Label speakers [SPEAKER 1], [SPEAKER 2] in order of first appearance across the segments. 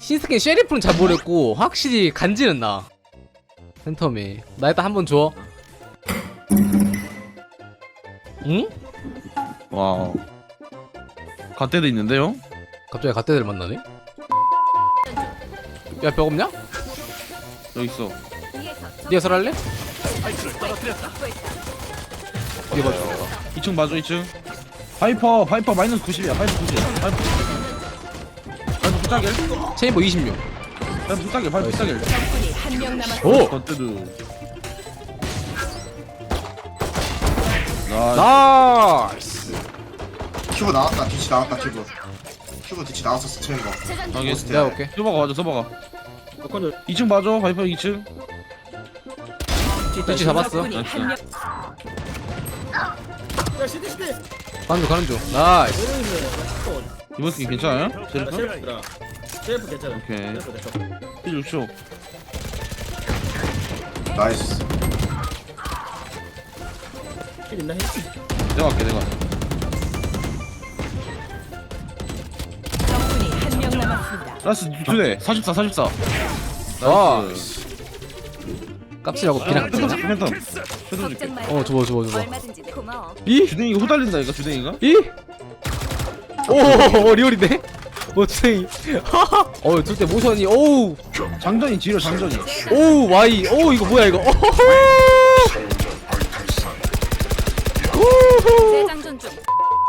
[SPEAKER 1] 신스킨 쉐리프는 잘 모르겠고 확실히 간지는 나. 팬텀이 나 일단 한번 줘. 응?
[SPEAKER 2] 와. 갓대도 있는데요?
[SPEAKER 1] 갑자기 갓대들 만나네? 야 벽 없냐?
[SPEAKER 2] 여기 있어.
[SPEAKER 1] 니가 설할래? 이게 봐줘.
[SPEAKER 2] 2층 맞아 2층. 파이퍼 마이너스 90이야. 파이퍼 90. 파이퍼 부탁일.
[SPEAKER 1] 체인버 26.
[SPEAKER 2] 파이퍼 부탁일. 파이퍼 부탁일.
[SPEAKER 3] 적군이 한 명 남았습니다.
[SPEAKER 1] 오!
[SPEAKER 2] 갓대도. 나
[SPEAKER 1] 나이스!
[SPEAKER 4] 큐브 나왔다. 뒤치 나왔다. 큐브 뒤치 나왔었어. 체인버.
[SPEAKER 2] 여기
[SPEAKER 1] 내가 볼게.
[SPEAKER 2] 서버가 맞아 서버가. 2층 맞아. 파이퍼 2층.
[SPEAKER 1] 뒤치 잡았어.
[SPEAKER 3] 적군이 한 명.
[SPEAKER 1] 가는 중. 나이스.
[SPEAKER 2] 이번 스킨 괜찮아요? 셰리프?
[SPEAKER 5] 셰프 괜찮아.
[SPEAKER 2] 오케이.
[SPEAKER 5] 셰프 괜찮아.
[SPEAKER 2] 6초.
[SPEAKER 4] 나이스.
[SPEAKER 5] 킬 있나 해?
[SPEAKER 2] 내가 할게 내가.
[SPEAKER 3] 적군이 한 명 남았습니다.
[SPEAKER 2] 라스 2대 44 44.
[SPEAKER 1] 나이스. 깝치라고 비랑
[SPEAKER 2] 팬텀
[SPEAKER 1] 찍자.
[SPEAKER 2] 팬텀 줄게.
[SPEAKER 1] 줘봐.
[SPEAKER 6] 얼마든지 고마워.
[SPEAKER 1] 이?
[SPEAKER 2] 주댕이가 후달린다 이거 주댕이가?
[SPEAKER 1] 이? 오 리얼인데? 주댕이. 줄때 모션이 오우
[SPEAKER 2] 장전이 지려 장전이.
[SPEAKER 1] 오우 와이 오우 이거 뭐야 이거 오호호 우후.
[SPEAKER 6] 재장전 중.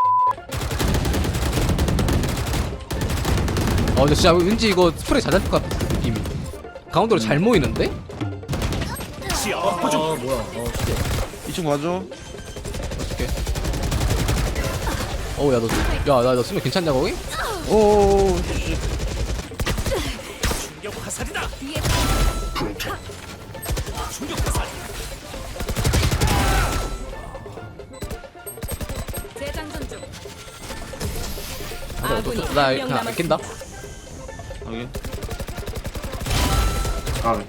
[SPEAKER 1] 근데 진짜 왠지 이거 스프레이 잘 잡힐 것 같아 느낌이. 가운데로 잘 모이는데?
[SPEAKER 5] 뭐야?
[SPEAKER 2] 2층 맞아.
[SPEAKER 1] 어떡해. 나 쓰면 괜찮냐 거기? 오.
[SPEAKER 6] 재장전 중.
[SPEAKER 3] 아군이
[SPEAKER 1] 나
[SPEAKER 3] 한 명
[SPEAKER 1] 그냥 안 낀다.
[SPEAKER 3] 남았습니다.
[SPEAKER 2] 여기.
[SPEAKER 4] 아,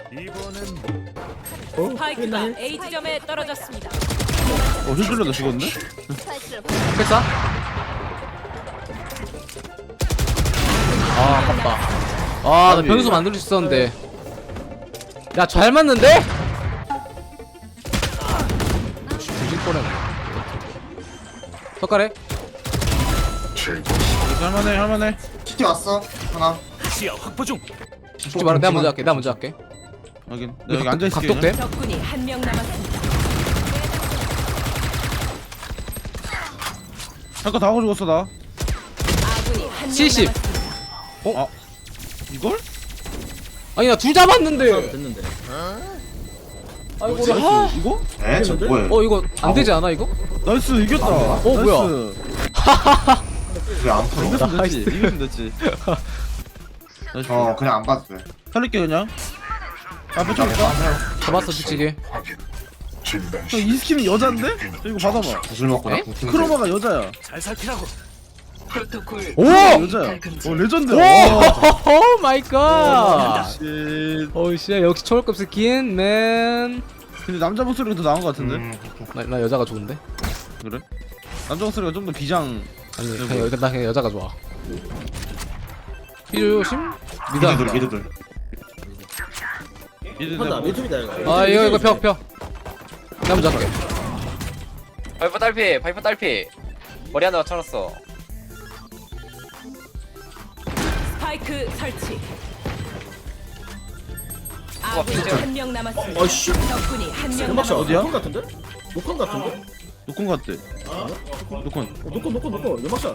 [SPEAKER 3] 스파이크가 A 지점에 떨어졌습니다.
[SPEAKER 2] 힐줄러도 죽었네?
[SPEAKER 1] 패싸? 아깝다. 나 변수 만들 수 있었는데. 야 잘 맞는데? 조질 뻔했네. 턱가래?
[SPEAKER 2] 할만해.
[SPEAKER 4] 시티 왔어. 하나.
[SPEAKER 1] 죽지 마라. 내가 먼저 할게.
[SPEAKER 2] 확인. 내가 여기 앉아있을게.
[SPEAKER 1] 각독돼?
[SPEAKER 3] 적군이 한 명 남았습니다.
[SPEAKER 2] 잠깐 다 하고 죽었어 나.
[SPEAKER 3] 아군이 한 명
[SPEAKER 1] 70.
[SPEAKER 3] 남았습니다.
[SPEAKER 2] 이걸?
[SPEAKER 1] 아니 나 둘 잡았는데.
[SPEAKER 5] 됐는데.
[SPEAKER 1] 아이고
[SPEAKER 4] 뭐지?
[SPEAKER 2] 이거?
[SPEAKER 4] 에? 저 뭐야?
[SPEAKER 1] 이거 안 되지 않아 이거?
[SPEAKER 2] 나이스 이겼다.
[SPEAKER 1] 뭐야?
[SPEAKER 4] 왜안 풀어?
[SPEAKER 2] 이겼으면 됐지. 이겼으면 됐지. 나이스.
[SPEAKER 4] 그냥 안 봐도 돼.
[SPEAKER 2] 살릴게 그냥. 앞에 좀 있다.
[SPEAKER 1] 잡았어 뒤치기.
[SPEAKER 2] 이 스킨은 여잔데? 이거 받아봐.
[SPEAKER 4] 구슬 먹고
[SPEAKER 1] 에?
[SPEAKER 4] 나 궁.
[SPEAKER 2] 크로마가 여자야.
[SPEAKER 1] 오!
[SPEAKER 2] 여자야. 레전드.
[SPEAKER 1] 오 마이 갓.
[SPEAKER 2] 쉣.
[SPEAKER 1] 오씨 역시 초월급 스킨 맨.
[SPEAKER 2] 근데 남자 목소리가 더 나은 것 같은데?
[SPEAKER 1] 나 여자가 좋은데?
[SPEAKER 2] 그래? 남자 목소리가 좀 더 비장.
[SPEAKER 1] 아니 나 그냥 여자가 좋아. 필요심?
[SPEAKER 4] 미드들 미드들.
[SPEAKER 5] 한다. 미투비다 이거.
[SPEAKER 1] 이거 벽. 나 먼저 할게.
[SPEAKER 7] 파이퍼 딸피 머리 하나 맞춰놨어.
[SPEAKER 3] 스파이크 설치. 아군이
[SPEAKER 7] 진짜.
[SPEAKER 3] 한 명 남았습니다.
[SPEAKER 5] 어이씨.
[SPEAKER 3] 적군이 한 명
[SPEAKER 5] 연막샷
[SPEAKER 3] 남았습니다.
[SPEAKER 2] 어디야?
[SPEAKER 5] 녹콘 같은데? 녹콘 같은데?
[SPEAKER 2] 노콘 같대. 노콘.
[SPEAKER 5] 녹콘. 연막샷.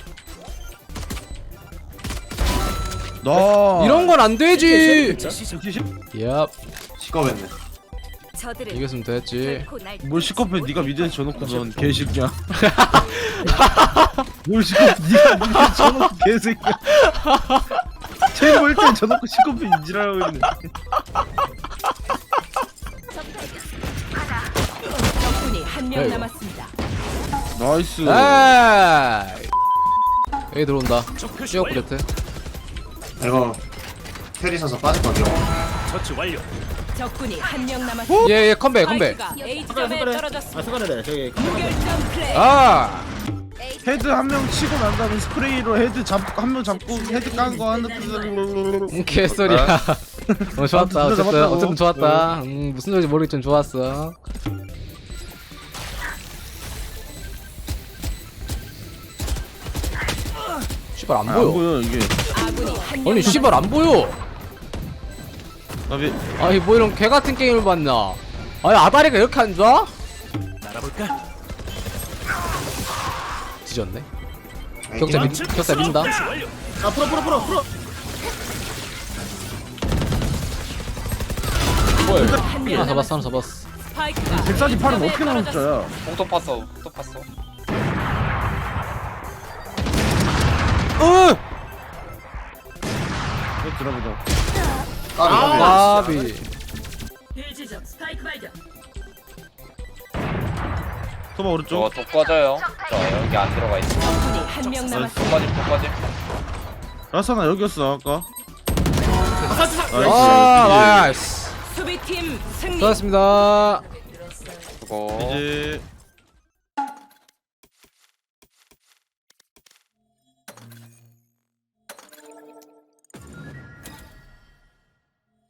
[SPEAKER 2] 나.
[SPEAKER 1] 이런 건 안 되지.
[SPEAKER 2] 시시?
[SPEAKER 1] 얍.
[SPEAKER 4] 시꺼했네.
[SPEAKER 6] 저들은
[SPEAKER 1] 이겼으면 됐지.
[SPEAKER 6] 결코 날
[SPEAKER 2] 뭘 시커패 네가 미드에 져놓고 넌 개새끼야. 뭘 시커패 네가 미드에 져놓고 개새끼야. 제일 멀때 져놓고 시커패 인지라고 있네.
[SPEAKER 3] 적군이 한 명
[SPEAKER 1] 아이고.
[SPEAKER 3] 남았습니다.
[SPEAKER 2] 나이스.
[SPEAKER 1] 에이. 여기 들어온다. 슈어 프레트.
[SPEAKER 4] 이거 테리 서서 빠질 거죠.
[SPEAKER 3] 적군이 한 명 남았습니다.
[SPEAKER 1] 얘 컴백.
[SPEAKER 3] 스파이크가 A 지점에
[SPEAKER 5] 아
[SPEAKER 3] 떨어졌습니다.
[SPEAKER 5] 잠깐만 저기.
[SPEAKER 3] 무결점 플레이.
[SPEAKER 1] 아.
[SPEAKER 2] 헤드 한 명 치고 난 다음에 스프레이로 헤드 잡고 한 명 잡고 헤드 깐 거 하는
[SPEAKER 1] 개소리야. 좋았다.
[SPEAKER 2] 아, 진짜 잡았다고.
[SPEAKER 1] 어쨌든 좋았다. 무슨 소리인지 모르겠지만 좋았어. 씨발 안
[SPEAKER 2] 안
[SPEAKER 1] 보여.
[SPEAKER 2] 보여 이게.
[SPEAKER 3] 아군이 한 명
[SPEAKER 1] 아니 씨발 안 보여.
[SPEAKER 2] 나비
[SPEAKER 1] 아니 뭐 이런 개 같은 게임을 봤나? 아니 아다리가 이렇게 안 좋아? 뒤졌네. 격자 민다.
[SPEAKER 5] 아 풀어.
[SPEAKER 1] 하나 잡았어 하나 잡았어.
[SPEAKER 3] 스파이크가
[SPEAKER 2] 148은 어떻게 나온 숫자야?
[SPEAKER 7] 또 팠어. 또 팠어.
[SPEAKER 2] 이거 들어보자.
[SPEAKER 1] 까비.
[SPEAKER 2] 소바 오른쪽.
[SPEAKER 7] 저거 또 꺼져요. 저 여기 안 들어가 있어.
[SPEAKER 3] 적군이 한 명
[SPEAKER 7] 또
[SPEAKER 3] 남았습니다.
[SPEAKER 7] 꺼짐 또 꺼짐.
[SPEAKER 2] 라사나 여기였어 아까.
[SPEAKER 1] 아 나이스.
[SPEAKER 3] 수비팀 승리.
[SPEAKER 1] 수고하셨습니다.
[SPEAKER 7] 그거
[SPEAKER 2] 이제